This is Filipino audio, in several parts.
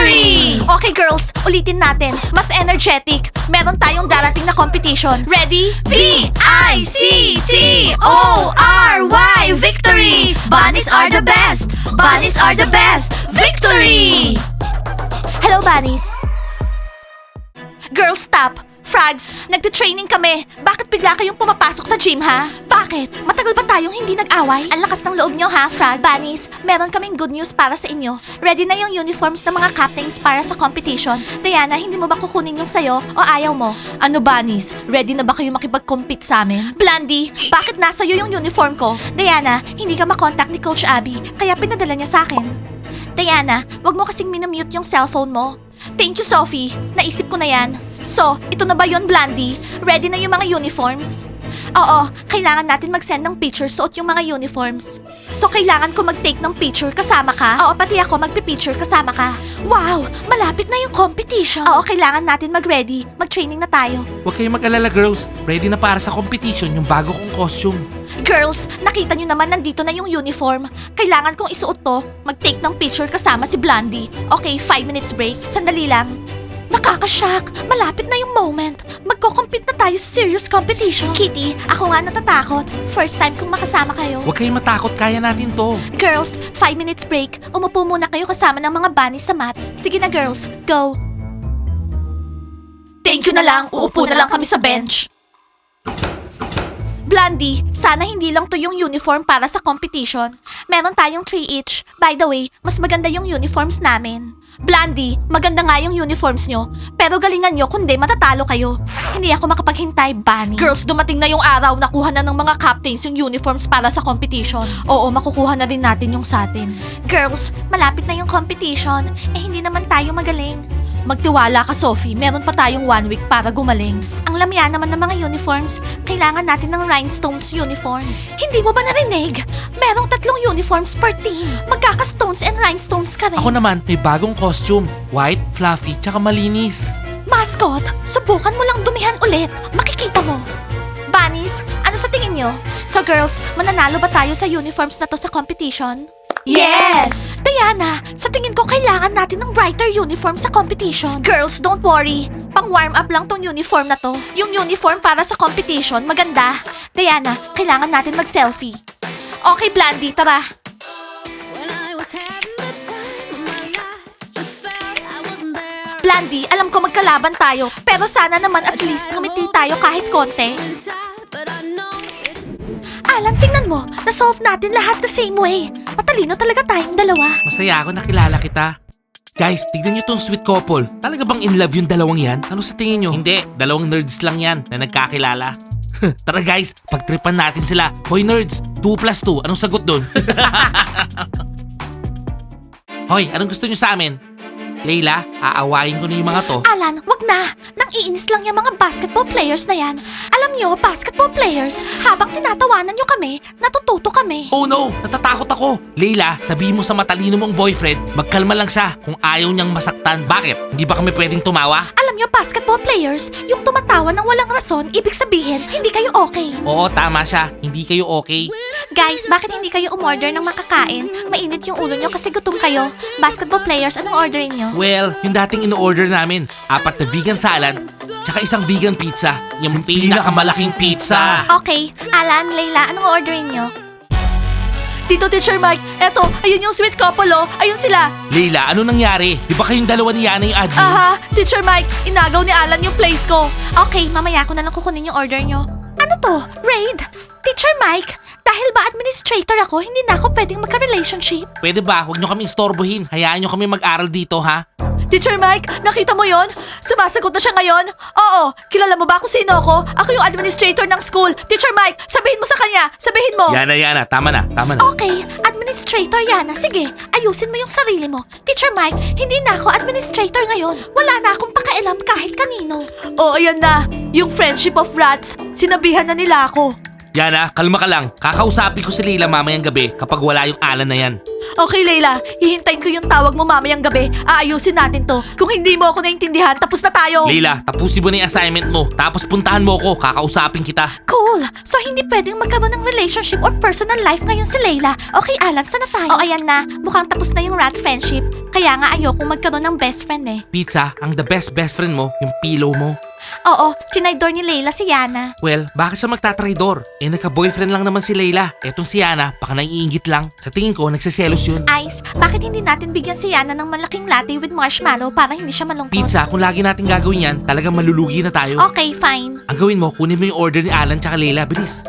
Victory! Okay girls, ulitin natin. Mas energetic. Meron tayong darating na competition. Ready? V-I-C-T-O-R-Y! Victory! Bunnies are the best! Bunnies are the best! Victory! Hello, bunnies. Girls, stop! Frogs, nagte-training kami. Bakit bigla kayong pumapasok sa gym, ha? Bakit? Matagal ba tayong hindi nag-away? Ang lakas ng loob nyo, ha, Frogs? Bunnies, meron kaming good news para sa inyo. Ready na yung uniforms ng mga captains para sa competition. Diana, hindi mo ba kukunin yung sayo o ayaw mo? Ano, Bunnies? Ready na ba kayo makipag-compete sa amin? Blandy, bakit nasa iyo yung uniform ko? Diana, hindi ka makontak ni Coach Abby, kaya pinadala niya sa akin. Diana, wag mo kasing minamute yung cellphone mo. Thank you, Sophie. Naisip ko na yan. So, ito na ba yun, Blandy? Ready na yung mga uniforms? Oo, kailangan natin mag-send ng picture suot yung mga uniforms. So, kailangan ko mag-take ng picture kasama ka? Oo, pati ako magpi-picture kasama ka. Wow, malapit na yung competition. Oo, kailangan natin mag-ready. Mag-training na tayo. Huwag kayong mag-alala girls, ready na para sa competition yung bago kong costume. Girls, nakita nyo naman nandito na yung uniform. Kailangan kong isuot to. Mag-take ng picture kasama si Blandy. Okay, 5 minutes break. Sandali lang. Nakakashock! Malapit na yung moment. Magko-compete na tayo sa serious competition. Kitty, ako nga natatakot. First time kong makasama kayo. Huwag kayong matakot, kaya natin to. Girls, 5 minutes break. Umupo muna kayo kasama ng mga bunnies sa mat. Sige na girls, go! Thank you na lang, uupo na lang kami sa bench. Blandy, sana hindi lang to yung uniform para sa competition. Meron tayong 3 each. By the way, mas maganda yung uniforms namin. Blandy, maganda nga yung uniforms nyo. Pero galingan nyo kundi matatalo kayo. Hindi ako makapaghintay, Bunny. Girls, dumating na yung araw na kuha na ng mga captains yung uniforms para sa competition. Oo, makukuha na rin natin yung sa atin. Girls, malapit na yung competition. Eh hindi naman tayo magaling. Magtiwala ka, Sophie. Meron pa tayong 1 week para gumaling. Ang lamya naman ng mga uniforms. Kailangan natin ng rhinestones uniforms. Hindi mo ba narinig? Merong 3 uniforms per team. Magkaka-stones and rhinestones ka rin. Ako naman, may bagong costume. White, fluffy, tsaka malinis. Mascot, subukan mo lang dumihan ulit. Makikita mo. Bunnies, ano sa tingin nyo? So girls, mananalo ba tayo sa uniforms na to sa competition? Yes! Diana, sa tingin ko kailangan natin ng brighter uniform sa competition. Girls, don't worry. Pang warm up lang tong uniform na to. Yung uniform para sa competition, maganda. Diana, kailangan natin mag-selfie. Okay, Blandy, tara. Blandy, alam ko magkalaban tayo, pero sana naman at least ngumiti tayo kahit konti. Alan, tingnan mo, na-solve natin lahat the same way. Matalino talaga tayong dalawa. Masaya ako nakilala kita. Guys, tignan niyo tong sweet couple. Talaga bang in love yung dalawang yan? Ano sa tingin niyo? Hindi, dalawang nerds lang yan na nagkakilala. Tara guys, pagtripan natin sila. Hoy nerds, 2 plus 2, anong sagot dun? Hoy, anong gusto niyo sa amin? Leila, aawain ko na yung mga to. Alan, wag na. Nang iinis lang yung mga basketball players na yan. Alam nyo, basketball players, habang tinatawanan nyo kami, natututo kami. Oh no, natatakot ako. Leila, sabihin mo sa matalino mong boyfriend, magkalma lang siya kung ayaw niyang masaktan. Bakit? Hindi ba kami pwedeng tumawa? Alam nyo, basketball players, yung tumatawa ng walang rason, ibig sabihin, hindi kayo okay. Oo, tama siya. Hindi kayo okay. Guys, bakit hindi kayo umorder ng makakain? Mainit yung ulo nyo kasi gutom kayo. Basketball players, anong orderin nyo? Well, yung dating ino-order namin, 4 na vegan salad, tsaka 1 vegan pizza. Yung pinakamalaking pizza. Okay, Alan, Layla, anong orderin nyo? Dito, Teacher Mike. Eto, ayun yung sweet couple, oh. Ayun sila. Leila, ano nangyari? Di ba kayong dalawa ni Yana yung admin? Aha, Teacher Mike, inagaw ni Alan yung place ko. Okay, mamaya ko na lang kukunin yung order nyo. Ano to? Raid? Teacher Mike, dahil ba administrator ako, hindi na ako pwedeng magka-relationship? Pwede ba? Huwag nyo kami istorbohin. Hayaan nyo kami mag-aral dito, ha? Teacher Mike, nakita mo yon? Sumasagot na siya ngayon? Oo, kilala mo ba kung sino ako? Ako yung administrator ng school. Teacher Mike, sabihin mo sa kanya. Sabihin mo. Yana, tama na. Okay, administrator Yana. Sige, ayusin mo yung sarili mo. Teacher Mike, hindi na ako administrator ngayon. Wala na akong pakailam kahit kanino. Oh, ayan na. Yung friendship of rats, sinabihan na nila ako. Yana, kalma ka lang. Kakausapin ko si Leila mamayang gabi kapag wala yung Alan na yan. Okay, Leila. Hihintayin ko yung tawag mo mamayang gabi. Aayusin natin to. Kung hindi mo ako naintindihan, tapos na tayo. Leila, tapusin mo na yung assignment mo. Tapos puntahan mo ako, kakausapin kita. Cool! So hindi pwedeng magkaroon ng relationship or personal life ngayon si Leila. Okay, Alan, sana tayo? Oh, ayan na. Mukhang tapos na yung rat friendship. Kaya nga ayokong magkaroon ng best friend eh. Pizza, ang the best friend mo, yung pillow mo. Oo, tinaydor ni Leila si Yana. Well, bakit siya magtatraidor? Eh, nagka-boyfriend lang naman si Leila. Etong si Yana, baka naiingit lang. Sa tingin ko, nagsiselos yun. Ice, bakit hindi natin bigyan si Yana ng malaking latte with marshmallow para hindi siya malungkot? Pizza, kung lagi natin gagawin yan, talagang malulugi na tayo. Okay, fine. Ang gawin mo, kunin mo yung order ni Alan tsaka Leila. Bilis.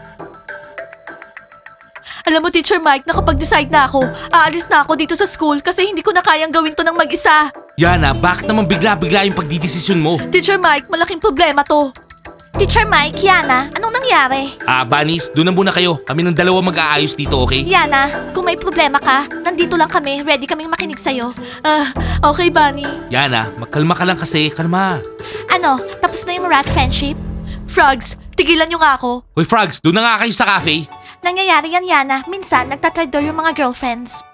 Alam mo, Teacher Mike, nakapag-decide na ako. Aalis na ako dito sa school kasi hindi ko na kayang gawin to ng mag-isa. Yana, bakit naman bigla-bigla yung pagdidesisyon mo? Teacher Mike, malaking problema to. Teacher Mike, Yana, anong nangyari? Banis, doon na muna kayo. Kami ng dalawa mag-aayos dito, okay? Yana, kung may problema ka, nandito lang kami. Ready kaming makinig sa'yo. Okay, Bunny. Yana, magkalma ka lang kasi. Kalma. Ano, tapos na yung rat friendship? Frogs, tigilan nyo nga ako. Hoy, Frogs, doon na nga kayo sa cafe. Nangyayari yan, Yana. Minsan, nagtatraidor yung mga girlfriends.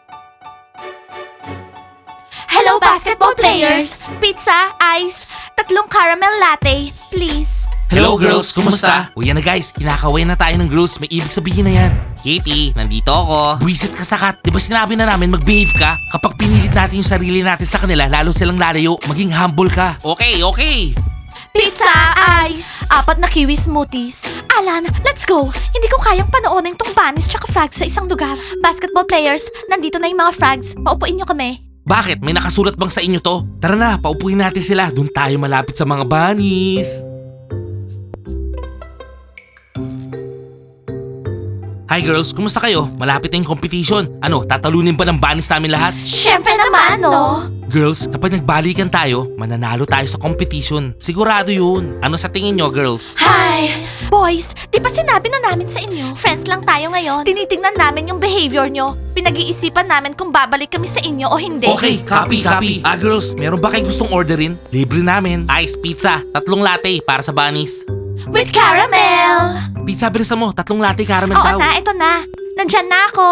Hello, basketball players! Pizza, ice, 3 caramel latte, please. Hello, girls, kumusta? O yan na guys, kinakaway na tayo ng girls. May ibig sabihin na yan. Kitty, nandito ako. Buwisit ka sakat. Di ba sinabi na namin mag-behave ka? Kapag pinilit natin yung sarili natin sa kanila, lalo silang lalayo, maging humble ka. Okay, okay. Pizza, ice, 4 na kiwi smoothies. Alan, let's go. Hindi ko kayang panoorin tong bunnies tsaka frogs sa isang lugar. Basketball players, nandito na yung mga frogs. Paupuin nyo kami. Bakit? May nakasulat bang sa inyo to? Tara na, paupuin natin sila. Doon tayo malapit sa mga bunnies. Hi girls, kumusta kayo? Malapit na yung competition. Ano, tatalunin ba ng bunnies namin lahat? Syempre naman, no? Girls, kapag nagbalikan tayo, mananalo tayo sa competition. Sigurado yun. Ano sa tingin nyo, girls? Hi! Boys, di ba sinabi na namin sa inyo? Friends lang tayo ngayon. Tinitingnan namin yung behavior nyo. Pinag-iisipan namin kung babalik kami sa inyo o hindi. Okay, copy. Girls, meron ba kayo gustong orderin? Libre namin. Ice pizza, 3 latte para sa bunnies. With caramel! Pizza, bilisan mo. 3 latte caramel Oo daw. na, ito na. Nandyan na ako.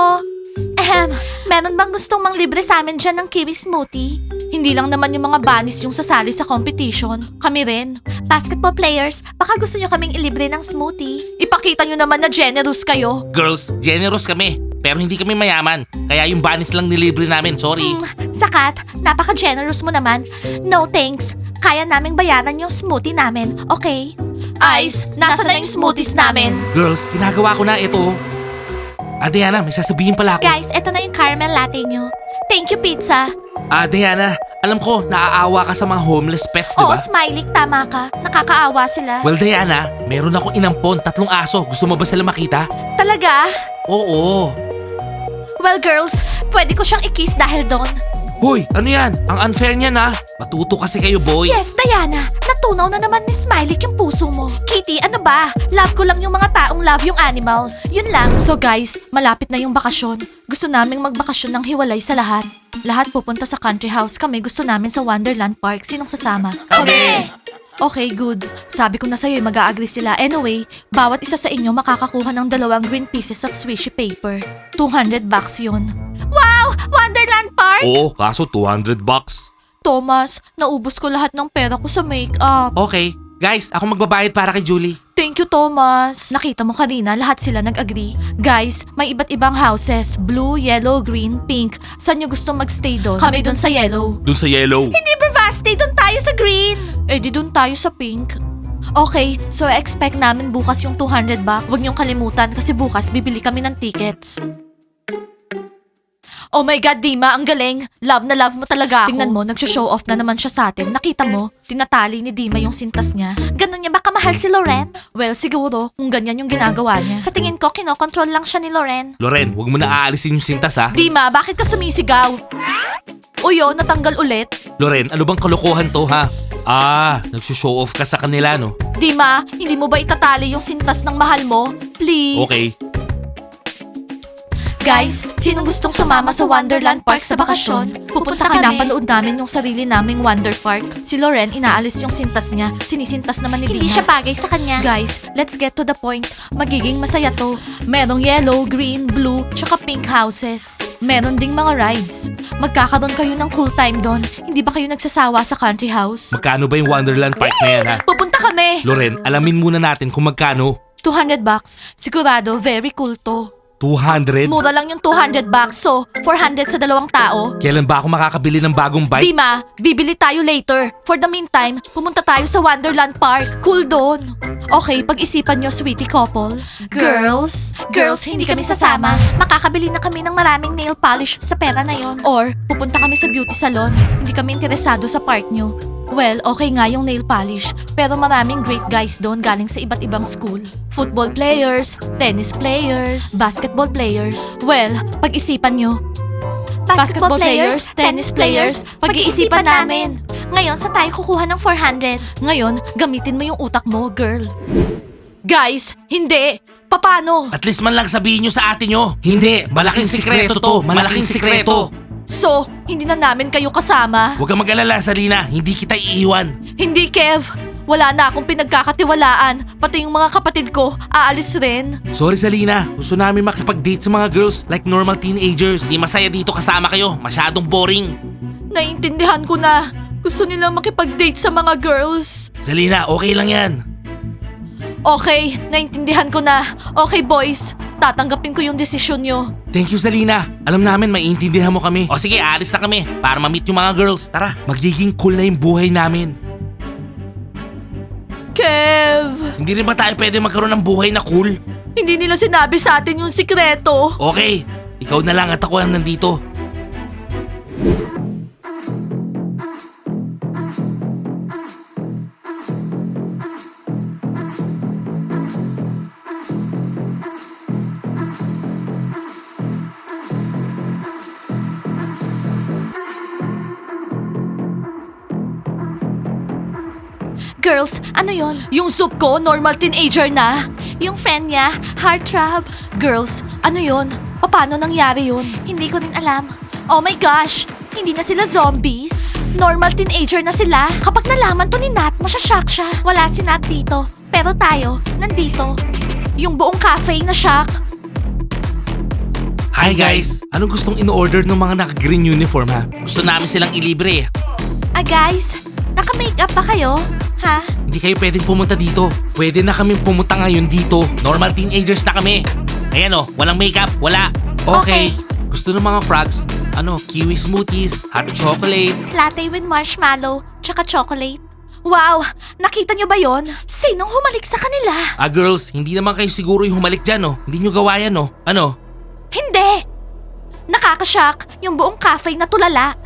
Meron bang gustong manglibre sa amin dyan ng kiwi smoothie? Hindi lang naman yung mga bunnies yung sasali sa competition. Kami rin. Basketball players, baka gusto nyo kaming ilibre ng smoothie. Ipakita nyo naman na generous kayo. Girls, generous kami. Pero hindi kami mayaman. Kaya yung bunnies lang nilibre namin. Sorry. Sakat, napaka-generous mo naman. No thanks. Kaya naming bayaran yung smoothie namin, okay? Ice, nasa na yung smoothies namin? Girls, ginagawa ko na ito. Diana, may sasabihin pala ako. Guys, eto na yung caramel latte nyo. Thank you, pizza. Diana, alam ko, naaawa ka sa mga homeless pets, di Oo, ba? Smiley, tama ka. Nakakaawa sila. Well, Diana, meron akong inampon, 3 aso. Gusto mo ba sila makita? Talaga? Oo. Well, girls, pwede ko siyang i-kiss dahil doon. Hoy, ano yan? Ang unfair niyan ha. Matuto kasi kayo, boys. Yes, Diana. Natunaw na naman ni Smiley yung puso mo. Kitty, ano ba? Love ko lang yung mga taong love yung animals. Yun lang. So guys, malapit na yung bakasyon. Gusto naming magbakasyon ng hiwalay sa lahat. Lahat pupunta sa country house. Kami gusto namin sa Wonderland Park. Sinong sasama? Kami! Okay, good. Sabi ko na sa'yo, mag-a-agree sila. Anyway, bawat isa sa inyo makakakuha ng 2 green pieces of swishy paper. $200 yun. Wow! Wonderland Park? Oo, kaso $200. Thomas, naubos ko lahat ng pera ko sa makeup. Okay, guys, ako magbabayad para kay Julie. Thank you, Thomas. Nakita mo kanina, lahat sila nag-agree. Guys, may iba't ibang houses. Blue, yellow, green, pink. Saan nyo gusto magstay doon? Kami doon sa yellow. Doon sa yellow. Hindi, Bravasti, doon tayo sa green. Eh, di doon tayo sa pink. Okay, so expect namin bukas yung $200. Huwag niyong kalimutan kasi bukas bibili kami ng tickets. Oh my God, Dima, ang galing. Love na love mo talaga ako. Tingnan mo, nagsho-show off na naman siya sa atin. Nakita mo, tinatali ni Dima yung sintas niya. Ganun niya baka mahal si Loren? Well, siguro, kung ganyan yung ginagawa niya. Sa tingin ko, kinokontrol lang siya ni Loren. Loren, huwag mo na aalisin yung sintas ha. Dima, bakit ka sumisigaw? Uyo, natanggal ulit. Loren, ano bang kalokohan to ha? Nagsushow off ka sa kanila no? Dima, hindi mo ba itatali yung sintas ng mahal mo? Please. Okay. Guys, sinong gustong sumama sa Wonderland Park sa bakasyon? Pupunta kami. Pinapanood namin yung sarili naming Wonder Park. Si Loren, inaalis yung sintas niya. Sinisintas naman ni Dina. Hindi siya bagay sa kanya. Guys, let's get to the point. Magiging masaya to. Merong yellow, green, blue, tsaka pink houses. Meron ding mga rides. Magkakaroon kayo ng cool time doon. Hindi ba kayo nagsasawa sa country house? Magkano ba yung Wonderland Park na yan, ha? Pupunta kami! Loren, alamin muna natin kung magkano. $200. Sigurado, very cool to. 200? Mura lang yung $200, so 400 sa dalawang tao. Kailan ba ako makakabili ng bagong bike? Dima, bibili tayo later. For the meantime, pumunta tayo sa Wonderland Park. Cool doon. Okay, pag-isipan nyo, sweetie couple. Girls, hindi kami sasama. Makakabili na kami ng maraming nail polish sa pera na yon. Or, pupunta kami sa beauty salon. Hindi kami interesado sa park nyo. Well, okay nga yung nail polish, pero maraming great guys doon galing sa iba't ibang school. Football players, tennis players, basketball players. Well, pag-isipan nyo. Basketball players, tennis players, pag-iisipan namin. Ngayon, saan tayo kukuha ng 400? Ngayon, gamitin mo yung utak mo, girl. Guys, hindi! Paano? At least man lang sabihin nyo sa ate nyo. Hindi, malaking sikreto to. Malaking sikreto. So, hindi na namin kayo kasama? Huwag kang mag-alala, Salina. Hindi kita iiwan. Hindi, Kev. Wala na akong pinagkakatiwalaan. Pati yung mga kapatid ko, aalis rin. Sorry, Salina. Gusto namin makipag-date sa mga girls like normal teenagers. Hindi masaya dito kasama kayo. Masyadong boring. Naiintindihan ko na. Gusto nilang makipag-date sa mga girls. Salina, okay lang yan. Okay, naintindihan ko na. Okay, boys. Tatanggapin ko yung desisyon nyo. Thank you, Salina. Alam namin, maiintindihan mo kami. O sige, alis na kami para ma-meet yung mga girls. Tara, magiging cool na yung buhay namin. Kev! Hindi rin ba tayo pwede magkaroon ng buhay na cool? Hindi nila sinabi sa atin yung sikreto. Okay, ikaw na lang at ako ang nandito. Girls, ano yon? Yung soup ko, normal teenager na. Yung friend niya, heartthrob. Girls, ano yon? Paano nangyari yun? Hindi ko rin alam. Oh my gosh, hindi na sila zombies. Normal teenager na sila. Kapag nalaman to ni Nat, masyashock siya. Wala si Nat dito, pero tayo, nandito. Yung buong cafe na shock. Hi guys! Anong gustong in-order ng mga naka-green uniform ha? Gusto namin silang ilibre eh. Guys, naka-makeup ba kayo? Ha? Hindi kayo pwedeng pumunta dito. Pwede na kami pumunta ngayon dito. Normal teenagers na kami. Ayan o, walang makeup, wala. Okay. Gusto ng mga frogs, kiwi smoothies, hot chocolate. Latte with marshmallow, tsaka chocolate. Wow! Nakita nyo ba yon? Sinong humalik sa kanila? Girls, hindi naman kayo siguro yung humalik dyan oh. Hindi nyo gawa yan oh. Ano? Hindi! Nakakashock yung buong cafe na tulala.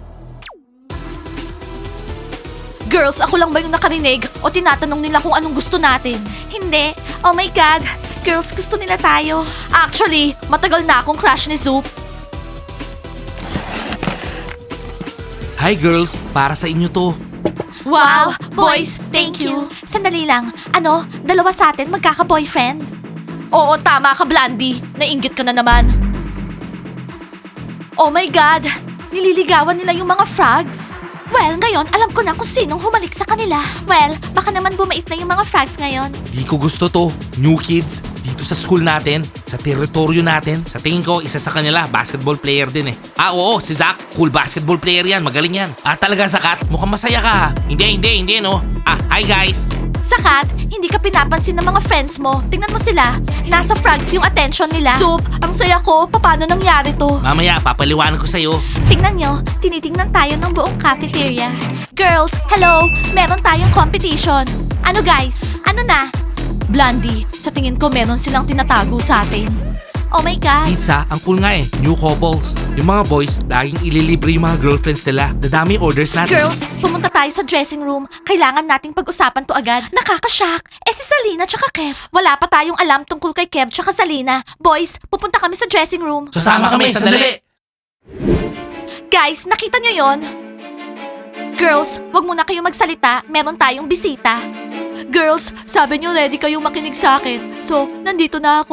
Girls, ako lang ba yung nakarinig o tinatanong nila kung anong gusto natin? Hindi. Oh my God. Girls, gusto nila tayo. Actually, matagal na akong crush ni Zoop. Hi girls, para sa inyo to. Wow! Boys, thank you. Sandali lang. Dalawa sa atin magkaka-boyfriend? Oo, tama ka, Blandy. Nainggit ka na naman. Oh my God! Nililigawan nila yung mga frogs. Well, ngayon, alam ko na kung sinong humalik sa kanila. Well, baka naman bumait na yung mga frogs ngayon. Di ko gusto to. New kids, dito sa school natin, sa teritoryo natin. Sa tingin ko, isa sa kanila, basketball player din eh. Oo, si Zach, cool basketball player yan, magaling yan. Talaga Zakat, mukhang masaya ka ha. Hindi no. Hi guys. Sakat, hindi ka pinapansin ng mga friends mo. Tingnan mo sila. Nasa frogs yung attention nila. Soup, ang saya ko. Paano nangyari to? Mamaya, papaliwanag ko sa'yo. Tingnan nyo, tinitingnan tayo ng buong cafeteria. Girls, hello! Meron tayong competition. Ano guys? Ano na? Blondie, sa tingin ko meron silang tinatago sa atin. Oh my God! Pizza, ang cool nga eh. New couples. Yung mga boys, laging ililibre yung mga girlfriends nila. Dadami orders natin. Girls, pumunta tayo sa dressing room. Kailangan nating pag-usapan to agad. Nakakashock. Si Salina tsaka Kev. Wala pa tayong alam tungkol kay Kev tsaka Salina. Boys, pupunta kami sa dressing room. Sasama kami, sandali. Guys, nakita nyo yon? Girls, wag muna kayong magsalita. Meron tayong bisita. Girls, sabi nyo ready kayong makinig sa akin. So, nandito na ako.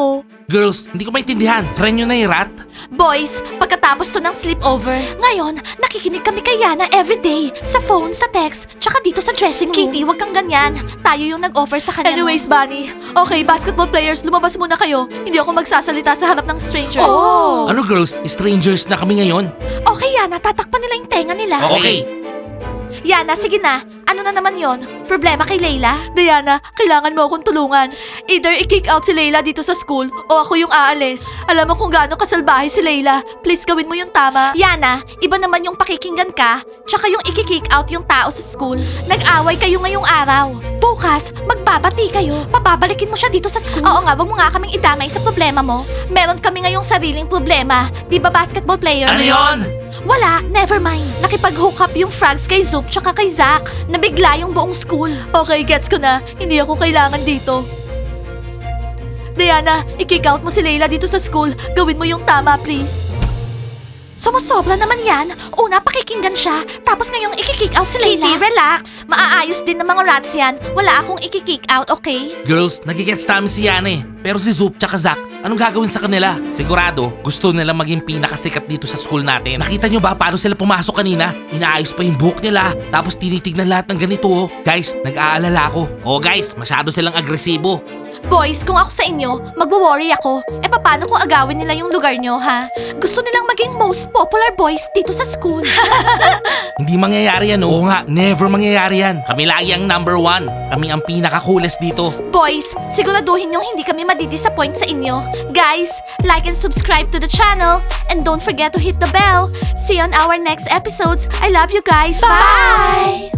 Girls, hindi ko maintindihan. Friend nyo na yung rat? Boys, pagkatapos to ng sleepover, ngayon, nakikinig kami kay Yana everyday. Sa phone, sa text, tsaka dito sa dressing room. Kitty, wag kang ganyan. Tayo yung nag-offer sa kanya. Anyways, Bunny, okay, basketball players, lumabas muna kayo. Hindi ako magsasalita sa harap ng strangers. Oh! Ano girls, strangers na kami ngayon? Okay, Yana, tatakpan nila yung tenga nila. Okay. Yana, sige na. Ano na naman yon? Problema kay Layla? Diana, kailangan mo akong tulungan. Either i-kick out si Layla dito sa school o ako yung aalis. Alam mo kung gaano kasalbahe si Layla. Please gawin mo yung tama. Yana, iba naman yung pakikinggan ka, tsaka yung i-kick out yung tao sa school. Nag-away kayo ngayong araw. Bukas, magbabati kayo. Papabalikin mo siya dito sa school. Oo nga, wag mo nga kaming idamay sa problema mo. Meron kami ngayong sariling problema. Di ba basketball players? Ano yun? Wala, never mind. Nakipag-hook up yung frogs kay Zoop tsaka kay Zach. Nabigla yung buong school. Okay, gets ko na. Hindi ako kailangan dito. Diana, i-kick out mo si Layla dito sa school. Gawin mo yung tama, please. Sumusobra naman yan. Una, pakikinggan siya. Tapos ngayong i-kick out si Layla. Kitty, relax. Maaayos din ng mga rats yan. Wala akong i-kick out, okay? Girls, nagigets namin si Yana eh. Pero si Zoop tsaka Zach, anong gagawin sa kanila? Sigurado, gusto nila maging pinakasikat dito sa school natin. Nakita nyo ba paano sila pumasok kanina? Inaayos pa yung buhok nila, tapos tinitignan lahat ng ganito oh. Guys, nag-aalala ako. Oh guys, masyado silang agresibo. Boys, kung ako sa inyo, magwo-worry ako. E paano kung agawin nila yung lugar nyo, ha? Gusto nilang maging most popular boys dito sa school. Hindi mangyayari yan, oo nga, never mangyayari yan. Kami lagi ang number 1. Kami ang pinaka-coolest dito. Boys, siguraduhin nyo hindi kami madidisappoint sa inyo. Guys, like and subscribe to the channel. And don't forget to hit the bell. See you on our next episodes. I love you guys. Bye!